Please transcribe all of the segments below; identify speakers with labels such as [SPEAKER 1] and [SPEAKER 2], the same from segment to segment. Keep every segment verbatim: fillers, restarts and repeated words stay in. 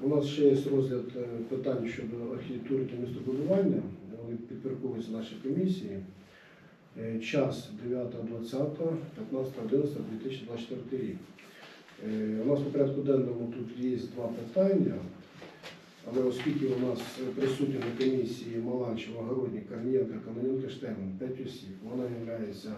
[SPEAKER 1] у нас ще є розгляд е, питань щодо архітектури та містобудування. Вони підпорядковуються нашій комісії. Е, Час дев'яте двадцяте, п'ятнадцяте одинадцяте дві тисячі двадцять четвертий рік. Е, У нас по порядку денному тут є два питання, але оскільки у нас присутні на комісії Маланчева, Городник, Корнієнко, Кононенко, Штеман, п'ять осіб, вона є,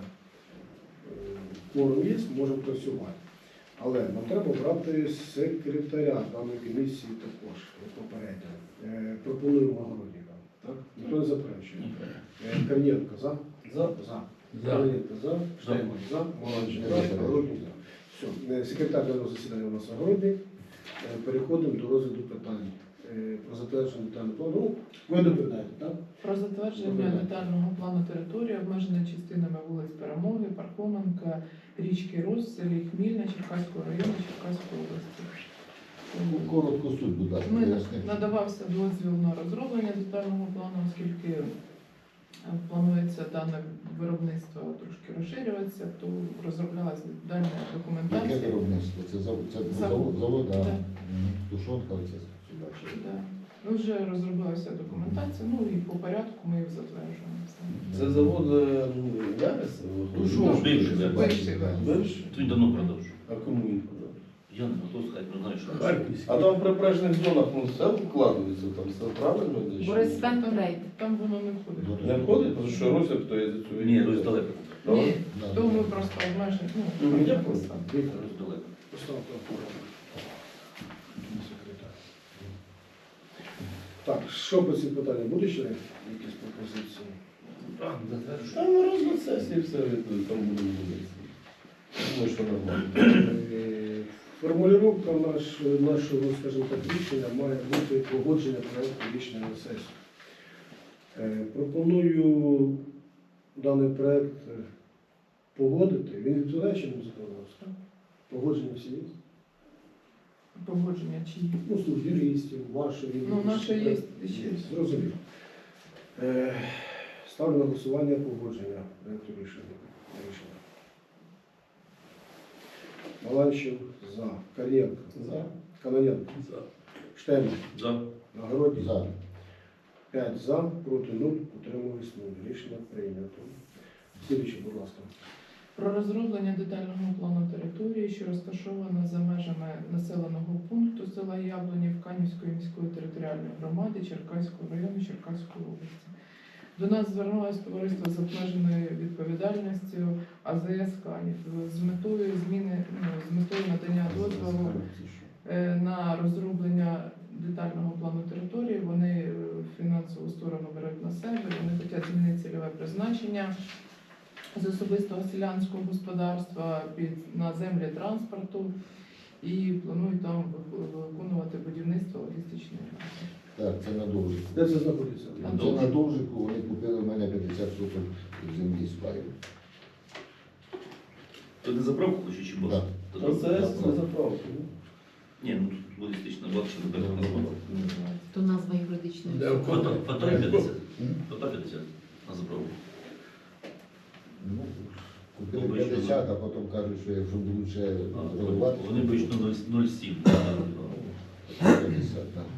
[SPEAKER 1] кворум є, можемо працювати. Але нам треба брати секретаря даної комісії також, як попередньо. Е, Пропонуємо Городника. Так? Ніхто не заперечує. Е, Корнієнко за?
[SPEAKER 2] За.
[SPEAKER 1] За.
[SPEAKER 2] За.
[SPEAKER 1] Корнієнко за. Штеман за. Маланчев за. Городник за. Все. Е, Секретар даного засідання у нас Городник. Е, Переходимо до розгляду питань. Е, Про затвердження детального плану. Ну, ви доповідаєте, так?
[SPEAKER 3] Про затвердження детального плану території, обмеженої частинами вулиць Перемоги, Пархоменка, річки Рос, в селі Хмільне, Черкаського району, Черкаської області.
[SPEAKER 4] Коротко суть, будь ласка.
[SPEAKER 3] Ми
[SPEAKER 4] поясніть.
[SPEAKER 3] надавався дозвіл на розроблення детального плану, оскільки планується дане виробництво трошки розширюватися, то розроблялася дальня
[SPEAKER 4] Яке
[SPEAKER 3] документація.
[SPEAKER 4] виробництво? Це завод, це
[SPEAKER 3] Завод.
[SPEAKER 4] завод, завод, а
[SPEAKER 3] Да.
[SPEAKER 4] Мгм. Тушонка, оце сюди.
[SPEAKER 3] Да. Ну, вже розроблялася документація, ну і по порядку ми їх затверджуємо. Все.
[SPEAKER 2] Це завод е, Ярис?
[SPEAKER 4] Тушонка.
[SPEAKER 5] Бивший, да.
[SPEAKER 3] Бивший, да.
[SPEAKER 2] Бивший?
[SPEAKER 5] Він давно продав.
[SPEAKER 2] А кому він подав?
[SPEAKER 5] Я не готов сказати, не знаю, що.
[SPEAKER 2] А там в прибережних зонах ну, все вкладується, там все правильно йде? чи
[SPEAKER 6] Борис
[SPEAKER 2] ні?
[SPEAKER 6] Стан
[SPEAKER 3] Там,
[SPEAKER 6] Трейд.
[SPEAKER 3] там воно не входить.
[SPEAKER 2] Не входить, тому що Руся, то є за цю
[SPEAKER 5] Ні, Русь далеко.
[SPEAKER 3] Ні,
[SPEAKER 4] Да,
[SPEAKER 3] то
[SPEAKER 4] да.
[SPEAKER 3] ми просто обмежені.
[SPEAKER 2] Ну,
[SPEAKER 3] Ну,
[SPEAKER 2] я
[SPEAKER 3] просто.
[SPEAKER 2] просто.
[SPEAKER 1] Віктор,
[SPEAKER 5] Русь далеко.
[SPEAKER 1] поставте опору. Секретар. Так, що по цим питанням? Буде ще якісь пропозиції?
[SPEAKER 5] Так, затверджую.
[SPEAKER 2] Там на розгляд сесії все відповідь, там буде вулиці. Думаю, що нормально.
[SPEAKER 1] Е, Формулювання наш, нашого, скажімо так, рішення має бути погодження проєкту рішення на сесію. Е, Пропоную даний проєкт е, погодити. Він відповідає чинному законодавству? Погодження всі є?
[SPEAKER 3] Погодження чи є?
[SPEAKER 1] Ну, слух юристів, вашої.
[SPEAKER 3] Ну, наше є ще.
[SPEAKER 1] Зрозуміло. Е, Ставлю на голосування погодження проєкту рішення. рішення. Маланчев за. Корнієнко.
[SPEAKER 2] За.
[SPEAKER 1] Кононенко.
[SPEAKER 5] За.
[SPEAKER 1] Штеман.
[SPEAKER 5] За.
[SPEAKER 1] Нагородник.
[SPEAKER 4] За.
[SPEAKER 1] п'ять за, проти нуль, утримались нуль. Рішення прийнято. Слідуюче, будь ласка.
[SPEAKER 3] Про розроблення детального плану території, що розташована за межами населеного пункту села Яблонів Канівської міської територіальної громади Черкаського району Черкаської області. До нас звернулося товариство з обмеженою відповідальністю АЗС Канів з метою зміни, ну, з метою надання дозволу е, на розроблення детального плану території. Вони е, фінансову сторону беруть на себе, вони хочуть змінити цільове призначення з особистого селянського господарства під, на землі транспорту і планують там виконувати будівництво логістичної рамки.
[SPEAKER 4] Так, це на Довжику.
[SPEAKER 1] Де це знаходиться?
[SPEAKER 3] Там
[SPEAKER 4] Це на Довжику, вони купили в мене п'ятдесят соток землі з паю.
[SPEAKER 5] То не заправку хоче чи бос?
[SPEAKER 4] Да.
[SPEAKER 5] То
[SPEAKER 2] Оце
[SPEAKER 5] за-
[SPEAKER 2] це заправка.
[SPEAKER 5] Ні, ну тут логістична база, що тепер не було.
[SPEAKER 6] То назва юридичної
[SPEAKER 7] Де
[SPEAKER 6] особи.
[SPEAKER 5] Фото фото п'ятдесят.
[SPEAKER 4] М?
[SPEAKER 5] Фото п'ятдесят на заправку.
[SPEAKER 4] Ну, купили
[SPEAKER 5] Обично,
[SPEAKER 4] п'ятдесят, а потім кажуть, що якщо будуть ще
[SPEAKER 5] А,
[SPEAKER 4] розвивати,
[SPEAKER 5] Вони обично нуль цілих сім.
[SPEAKER 4] п'ятдесят, так.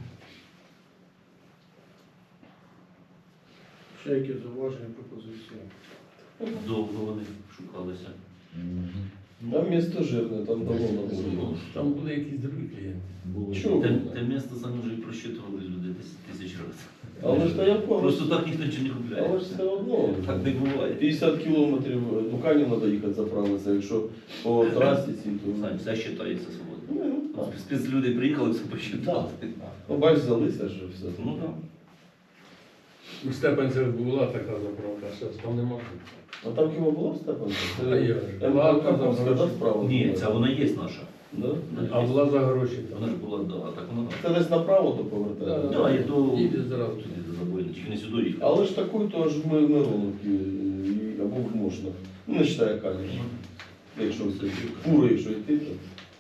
[SPEAKER 1] Ще які зауваження, пропозиції?
[SPEAKER 5] Довго вони шукалися.
[SPEAKER 4] Мгм.
[SPEAKER 2] Там місто жирне, там давно
[SPEAKER 4] Десять
[SPEAKER 2] на
[SPEAKER 4] тисяч.
[SPEAKER 2] було.
[SPEAKER 7] Там були якісь другі клієнти.
[SPEAKER 4] Було.
[SPEAKER 2] Чого?
[SPEAKER 5] Те, те місто самі вже і просчитували люди десь тисяч разів.
[SPEAKER 2] Але ж то я
[SPEAKER 5] Просто
[SPEAKER 2] просто
[SPEAKER 5] так ніхто нічого не купляє.
[SPEAKER 2] але ж все одно.
[SPEAKER 5] Так не буває.
[SPEAKER 2] п'ятдесят кілометрів до Кані треба їхати заправитися, якщо по трасі ці, то...
[SPEAKER 5] Сань, все вважається свободно.
[SPEAKER 2] Ну, ну, так.
[SPEAKER 5] Спецлюди приїхали, все посчитали.
[SPEAKER 2] Ну, бач, взялися ж все.
[SPEAKER 5] Ну так.
[SPEAKER 7] У Степанцях була така заправка, а зараз там нема.
[SPEAKER 2] А там хіба було в Степанці?
[SPEAKER 7] А я ж. Була
[SPEAKER 2] МК
[SPEAKER 7] за
[SPEAKER 2] Каховська, да,
[SPEAKER 7] гроші.
[SPEAKER 2] справа?
[SPEAKER 5] Ні,
[SPEAKER 2] була?
[SPEAKER 5] ця вона є наша.
[SPEAKER 2] Да?
[SPEAKER 7] А була за гроші
[SPEAKER 5] Вона ж
[SPEAKER 7] там.
[SPEAKER 5] була, да, а так вона наша.
[SPEAKER 2] Це десь направо то повертає.
[SPEAKER 5] Да, і до
[SPEAKER 7] Іде зразу.
[SPEAKER 5] туди до забойни, тільки не сюди їхати.
[SPEAKER 2] Але ж такою то ж ми Мироновки і- або в Мошнах. Ну, не вважає Кані. Якщо все, фуру, якщо йти, то...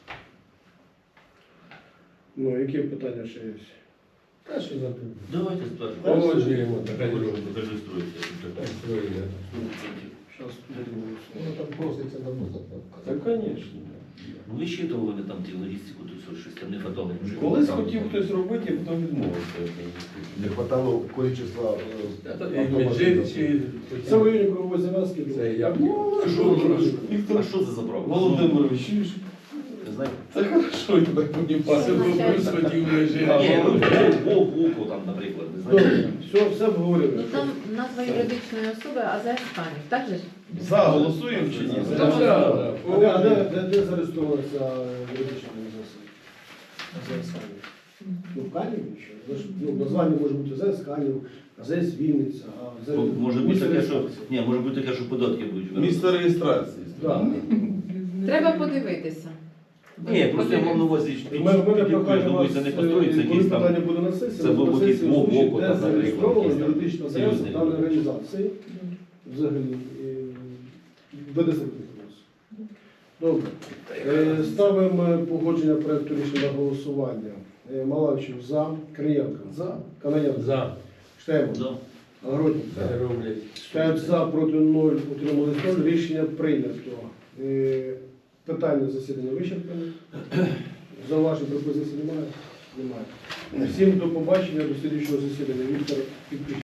[SPEAKER 1] Ну, які питання ще є?
[SPEAKER 7] Та що за тим?
[SPEAKER 5] Давайте спершу.
[SPEAKER 7] Погоджуємо, така дорога.
[SPEAKER 5] Зареєструється.
[SPEAKER 7] Так, строїли.
[SPEAKER 1] Зараз будемо
[SPEAKER 4] Ну,
[SPEAKER 1] голосувати.
[SPEAKER 4] там проситься давно заправка.
[SPEAKER 2] Та, звісно.
[SPEAKER 5] Ну, висчитували вони там ті логістику, то все, шестерні готовий.
[SPEAKER 2] Колись хотів хтось робити, а потім відмовився.
[SPEAKER 4] Не хватало количества е,
[SPEAKER 7] Це і Меджир, чи...
[SPEAKER 1] Це в районі кругової зав'язки.
[SPEAKER 7] Це як?
[SPEAKER 1] Ну,
[SPEAKER 7] Що
[SPEAKER 1] що
[SPEAKER 7] ви
[SPEAKER 1] ви
[SPEAKER 7] кажете?
[SPEAKER 5] А що це за право?
[SPEAKER 2] Володимирович, чуєш?
[SPEAKER 5] Не знаю.
[SPEAKER 2] Це хорошо, я тебе понімаю.
[SPEAKER 7] Це був плюс хотів Меджир.
[SPEAKER 2] А,
[SPEAKER 5] Ні, ну,
[SPEAKER 2] ну,
[SPEAKER 5] Вов, Вовку там, наприклад, не знаю.
[SPEAKER 1] Добре, все, все обговорюємо.
[SPEAKER 6] Ну там назва юридичної особи АЗС Канів, так же ж?
[SPEAKER 2] За голосуємо чи ні?
[SPEAKER 7] Ну,
[SPEAKER 1] Так,
[SPEAKER 7] так,
[SPEAKER 1] так.
[SPEAKER 7] так.
[SPEAKER 1] А де, а де, де, де зареєстровується юридична організація? АЗС Канів. Ну, в Каніві що? Знаєш, ну, названня може бути АЗС Канів, АЗС Вінниця, а
[SPEAKER 5] Ну, Може бути
[SPEAKER 1] місце
[SPEAKER 5] таке, що
[SPEAKER 1] реєстрації.
[SPEAKER 5] ні, може бути таке, що податки будуть.
[SPEAKER 2] Місце реєстрації.
[SPEAKER 1] Так.
[SPEAKER 6] Треба подивитися.
[SPEAKER 5] Ні, просто я мав на увазі, що
[SPEAKER 1] У мене в мене
[SPEAKER 5] підійдуть,
[SPEAKER 1] прохання вас,
[SPEAKER 5] думаю, це не
[SPEAKER 1] е,
[SPEAKER 5] построїться
[SPEAKER 1] коли
[SPEAKER 5] якісь там.
[SPEAKER 1] питання буде на сесії,
[SPEAKER 5] це
[SPEAKER 1] на
[SPEAKER 5] був якийсь
[SPEAKER 1] сесії
[SPEAKER 5] мов-
[SPEAKER 1] озвучить,
[SPEAKER 5] мов-
[SPEAKER 1] де
[SPEAKER 5] там,
[SPEAKER 1] зареєстрована
[SPEAKER 5] наприклад,
[SPEAKER 1] юридична адреса
[SPEAKER 5] союзний.
[SPEAKER 1] даної організації. Взагалі. Веде секретаріус. Добре. Е, Ставимо погодження проекту рішення на голосування. Е, Малавчев за. Криєнко.
[SPEAKER 2] За.
[SPEAKER 1] Канаєнко.
[SPEAKER 7] За.
[SPEAKER 1] Штеман.
[SPEAKER 5] Да.
[SPEAKER 1] Огородник.
[SPEAKER 7] Це роблять.
[SPEAKER 1] П'ять за, проти нуль, утримались нуль. Рішення прийнято. Е, Питання засідання вичерпане. Зауважень пропозицій немає? Немає. Всім до побачення, до слідчого засідання. Віктор Підписчик.